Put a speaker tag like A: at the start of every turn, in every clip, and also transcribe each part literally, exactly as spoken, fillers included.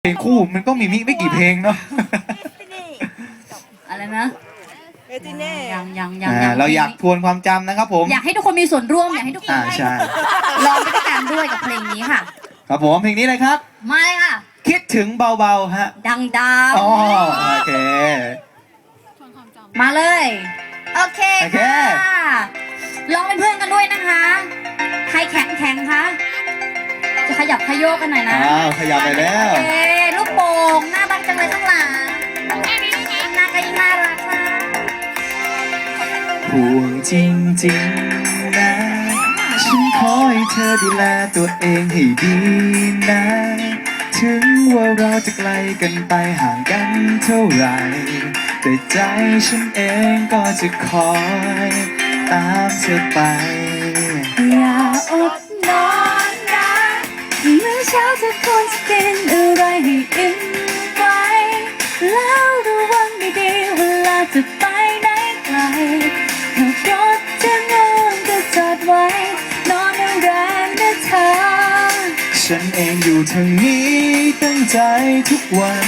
A: เพลงคู่มันก็มีไม่กี่เพลงเนาะ
B: อะไรนะยังยังยั
A: อ่าง เราอยากทวนความจำนะครับผม
B: อยากให้ทุกคนมีส่วนร่วมอยากให้ทุกคน
A: อ่าใช่
B: ลองไปด้วยกันด้วยกับเพลงนี้ค่ะ
A: ครับผมเพลงนี้เลยครับ
B: มาเลยค่ะ
A: คิดถึงเบาๆฮะ
B: ดังดาว
A: อ๋อโอเค
B: มาเลยโอเค
A: โอเค
B: ค่ะลองเป็นเพื่อนกันด้วยนะคะ ใครแข็งแข็งคะจะขยับขยโยกกันหน่อยนะ
A: อ้าวขยับไปแล้ว
B: โอเคลูกโป่งน่ารักจังเลยข้างหลังหน้าก็ยิ่งน่ารักค่ะ
A: ห่วงจริงๆนะฉันขอให้เธอดูแลตัวเองให้ดีนะ ถึงว่าเราจะไกลกันไปห่างกันเท่าไหร่แต่ใจฉันเองก็จะคอยตามเธอไป
B: อย่าอดนอนนะเมื่อเช้าเธอควรจะกินอะไรให้อิ่มไว้แล้วระวังดีๆเวลาจะไปไหนไกลขับรถจะงอนก็จอดไว้นอนแรงๆนะเธอ
A: ฉันเองอยู่ทางนี้ตั้งใจทุกวัน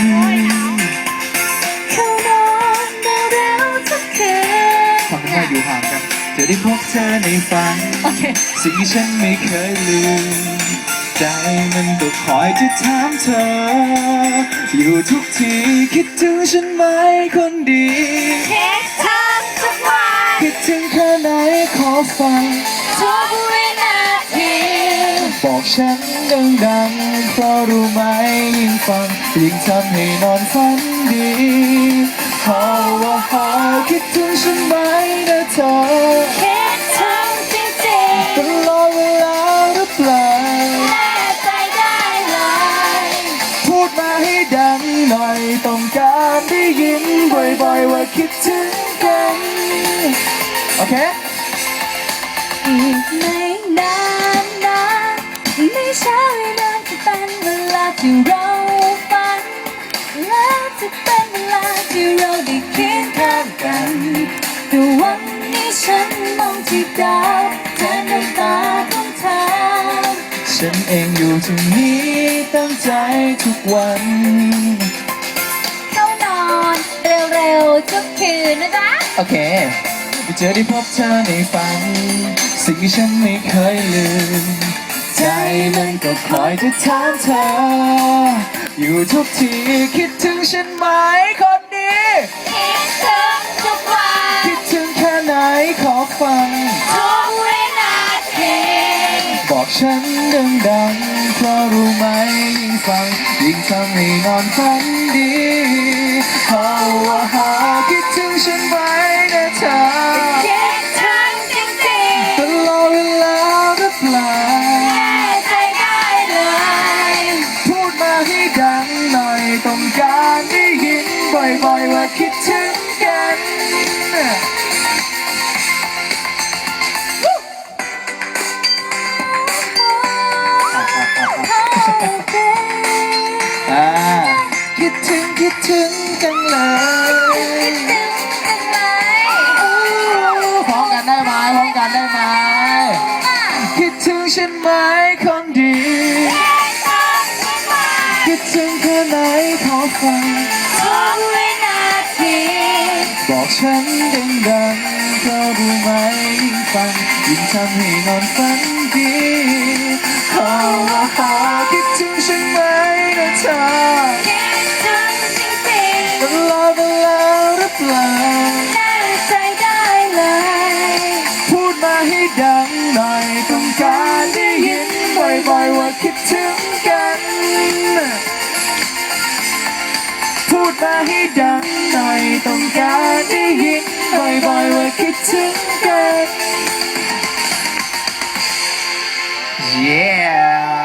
B: เข้านอนเร็วๆทุกคืน
A: ทำให้อยู่ห่างกันจะได้พบเธอในฝัน
B: okay.
A: สิ่งที่ฉันไม่เคยลืมใจมันก็คอยจะถามเธออยู่ทุกทีคิดถึงฉันไหมคนดี
B: คิดถึงทุกวัน
A: คิดถึงแค่ไหนขอฟัง
B: ทุกวินาที
A: บอกฉันดังๆเพราะรู้ไหมยิ่งฟังยิ่งทำให้นอนฝันดีฮาวาฮาคิดถึงฉันไหมนะเธอ
B: คิดถึงจริงๆ
A: ตลอดเวลาหรือเปล่า
B: แน่ใจได้เลย
A: พูดมาให้ดังหน่อยต้องการได้ยินบ่อยๆว่าคิดถึงกันโอเค
B: อีกไม่นานนะไม่ช้าไม่นานจะเป็นเวลาที่เราฝันและจะเป็นเวลาที่เราได้เคียงข้างกันแต่วันนี้ฉันมองที่ดาวแทนน้ำตาของเธอ
A: ฉันเองอยู่ที่นี้ตั้งใจทุกวัน
B: เข้านอนเร็วๆทุกคืนนะจ๊ะ
A: โอเคจะได้พบเธอในฝันสิ่งที่ฉันไม่เคยลืมใจมันก็คอยจะถามเธออยู่ทุกทีคิดถึงฉันไหมคนดี
B: คิดถึงทุกวัน
A: คิดถึงแค่ไหนขอฟัง
B: ทุกวินาที
A: บอกฉันดังๆเพราะรู้ไหมยิ่งฟังยิ่งทำให้นอนฝันดีฮาวาฮาคิดถึงฉันไหมนะเธอ
B: คิดถึงจริงๆ
A: ตลอดเวลาหรือเปล่า
B: แน่ใจได้เลย
A: พูดมาให้ดังหน่อยต้องการได้ยินบ่อยๆว่าคิดถึงกันคิดถึงคิดถึงจังเลยพร้อมกันได้ไหมพร้อมกันได้ไหมคิดถึงฉันไหมคนดีคิดถึงแค่ไหนขอฟัง
B: ทุกวินาที
A: บอกฉันดังๆเพราะรู้ไหมยิ่งฟังยิ่งทำให้นอนฝันดีขอว่าขอคิดถึงฉันไหมนะเธอ
B: คิดถึงจริงๆ
A: ตลอดเวลาหรือเปล่า
B: แน่ใจได้เลย
A: พูดมาให้ดังหน่อยต้องการได้ยินบ่อยๆว่าคิดถึงกันพูดมาให้ดังหน่อยต้องการได้ยินบ่อยๆว่าคิดถึงกัน Yeah